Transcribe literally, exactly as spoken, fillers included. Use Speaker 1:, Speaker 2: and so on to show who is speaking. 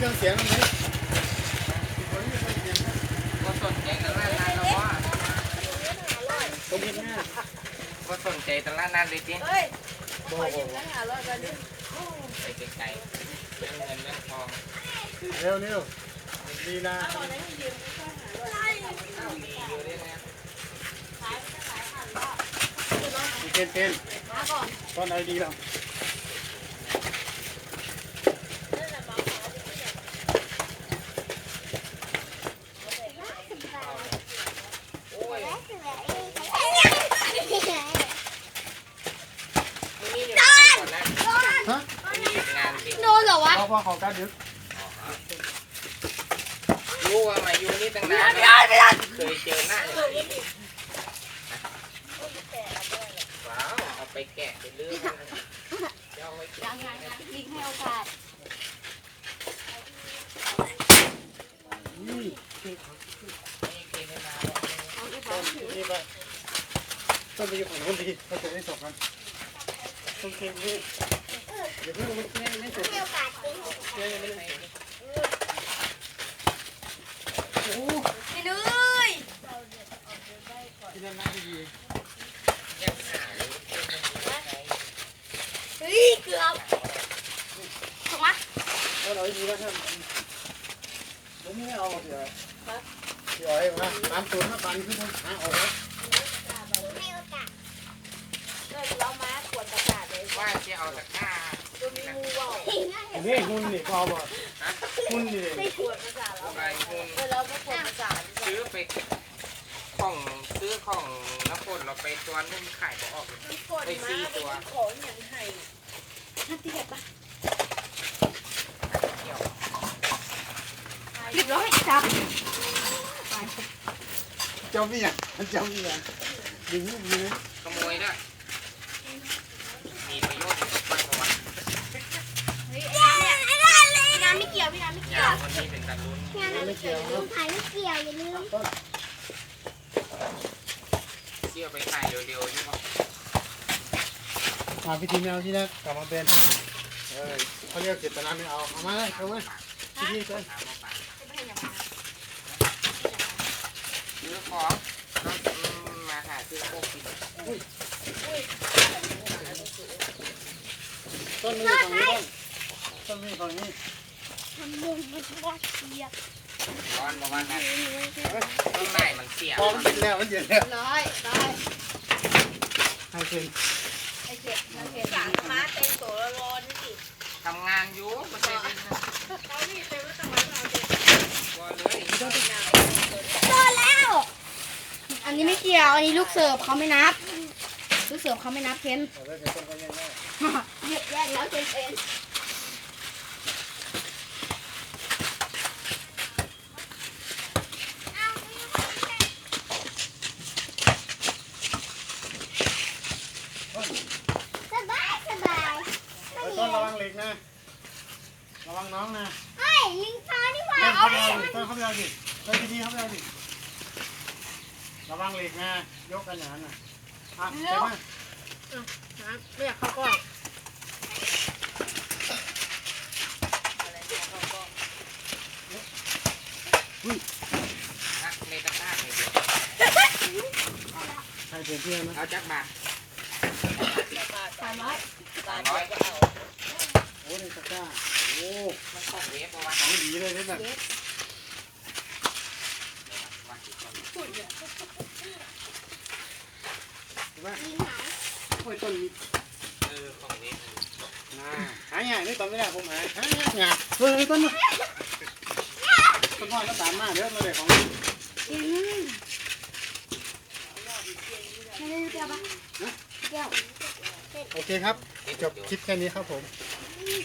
Speaker 1: รื่องเสียงมันไหม
Speaker 2: ก็สนใจตลาดนัดแล้วว่า
Speaker 1: ผมเห็นหน้า
Speaker 2: ก็สนใจตลาดนัดเลยจริง
Speaker 3: เฮ้ยขอยืมเงินหาร้อยกันดิ
Speaker 2: ไปไกลๆเรื่องเงินเรื่องทอง
Speaker 1: เร็วเร็วดีนะ
Speaker 3: เอาอะไรให้ยืมก็หาร้อย
Speaker 2: เอาดีอยู่ด้วยนะ
Speaker 3: ขายไม่ขายผ่านรอบ
Speaker 1: เป็นเป็น
Speaker 3: มาก่อน
Speaker 1: ตอนไหนดีแล้ว
Speaker 2: โอ้ยนี่อยู่ก่อนนะ
Speaker 1: ฮะ
Speaker 2: นี่งานจริง
Speaker 3: โดนเหรอวะ
Speaker 1: พอพอเขาการดึก
Speaker 2: รู้ว่ามาอยู่นี่ตั้งนานแล้วเคยเจอหน้าอย่างนี้ว้าวเอาไปแกะไปเลื่อยเดี๋ยวเอาไว้กิน
Speaker 3: ยังยังยังยิงให้โอกาส
Speaker 1: นี่
Speaker 2: นี่กินให้มา
Speaker 3: เอาไป
Speaker 1: ต้
Speaker 3: ทำ
Speaker 1: นนี่ไปต้นไปอยู่ของคนดีเขาจะได้สอบกันต้นเค็มนี่เดี๋ยวเพิ่งมันแค่ไม่จบ
Speaker 3: ให้โอกาสจริง
Speaker 1: แค่ไม่ได้โอ้
Speaker 3: ไปเลย
Speaker 1: ที่นั่นน่าจะดี
Speaker 2: ยังหาเลย
Speaker 3: เฮ้ยเกือบถูกไหม
Speaker 1: ถ้าเราดีแล้วท่านผมไม่เอาเดี๋ยวเดี๋ยวให้มาตามตัวมาปันขึ้นหาออกแล้ว
Speaker 3: ให้โอกาสเออเรามาขวดประกาศเลย
Speaker 2: ว่าจะเอาตะกร้า
Speaker 3: จะมีงูว่าว
Speaker 1: นี่หุ่นนี่พอบ่หุ่นนี่
Speaker 3: ไม่ขวดประกาศแล้ว
Speaker 2: ไปหุ้น
Speaker 3: เออเราไม่ขวดประกาศ
Speaker 2: ซื้อไปของซื้อของน้ำฝนเราไปตัวนุ่มขายก็ออกเลย
Speaker 3: กดมาเป็นของอย่างไห้ท่านที่แบบปะ
Speaker 2: เที่ยว
Speaker 3: เรียบร้อยจับ
Speaker 1: เจ้าพี่อ่ะเจ้าพี่อ่ะดึงลูกนี้
Speaker 2: ขโมยด้วยมีประโยชน์มากกว่า
Speaker 3: เฮ้ยไอ้น้ำเนี่ยพี่น้ำไม่เกี่ยวพี่น้ำไม่เกี่
Speaker 2: ยา
Speaker 3: ยว
Speaker 2: วคนนี้เป็นตาลุ้น
Speaker 1: ไม่เกี่ยว
Speaker 3: ถ่ายไม่เกี่ยวอย่าลืม
Speaker 1: ต้น
Speaker 2: เที่ยวไปถ่ายเร็วๆนี่บอก
Speaker 1: มาพิธีแมวที่แรกกลับมาเป็นเออเขาเรียกเจตนาไม่เอาเอามาเลยเอามาพิธีกัน
Speaker 2: ถามมาป่าซื้อของแล้วมาหาซื้อโคกิน
Speaker 1: ต้นนี้ฝั่งนี้ต้นนี้ฝั่งนี้
Speaker 3: ทำมุมมันว่าเสีย
Speaker 2: ร้อนประมาณนั้นต้นไม้มันเสีย
Speaker 1: พอมันเป็นแล้วมันเย็นแล้ว
Speaker 3: ร้อยร้อย
Speaker 1: ให้เป็น
Speaker 3: ไอ้เจ็บไอ้เจ็บสามมาเต็มตัวร้อนนี่
Speaker 2: ทำงานอยู่ไม่ใช่เป็น
Speaker 3: เขานี่เต็มแล้วทำไมเราเจ็บ
Speaker 2: ตัวเลย
Speaker 3: โดนแล้ว อันนี้ไม่เกี่ยว อันนี้ลูกเสิร์ฟเขาไม่นับ ลูกเสิร์ฟเขาไม่นับเพ้น
Speaker 1: เอาไว้เป็นต้นก็ยังได้
Speaker 3: แยกแล้วเพ้นเพ้น สบายสบาย
Speaker 1: ต้นระวังเหล็กนะระวังน้องนะ
Speaker 3: เฮ้ยลิงฟ้านี่หว่า
Speaker 1: ต้น
Speaker 3: เอา
Speaker 1: เขา
Speaker 3: ดิ
Speaker 1: เอาดิต้นเขาเอาดิต้นพิธีเขาเอาดิระวังเหล็กนะยกกันอย่างนั้นนะอ่ะใช่ไหม
Speaker 3: ไม่อยากเข้ากล้อง
Speaker 2: นักในตะกร้าเลยเดียว
Speaker 1: ใครเป็นเพื่อนนะ
Speaker 2: เอาจักบาท
Speaker 3: สามร้อย
Speaker 2: สามร้อย
Speaker 1: โอ้ในตะกร้าโอ้
Speaker 2: มันของเวฟประมาณ
Speaker 1: ของดีเลยนี่แบบ
Speaker 2: วันที่ต้น
Speaker 1: ใช่ไหมโอ้ยต้นนี้
Speaker 2: เออของเวฟ
Speaker 1: น่าหายากนี่ต้นไม่ได้ผมหายหายากเฮ้ยต้นนี้ต้นพ่อต้นตามมาเดี๋ยวมาเลยของ
Speaker 3: ไม่ได้แก้วปะแก้ว
Speaker 1: โอเคครับจบคลิปแค่นี้ครับผม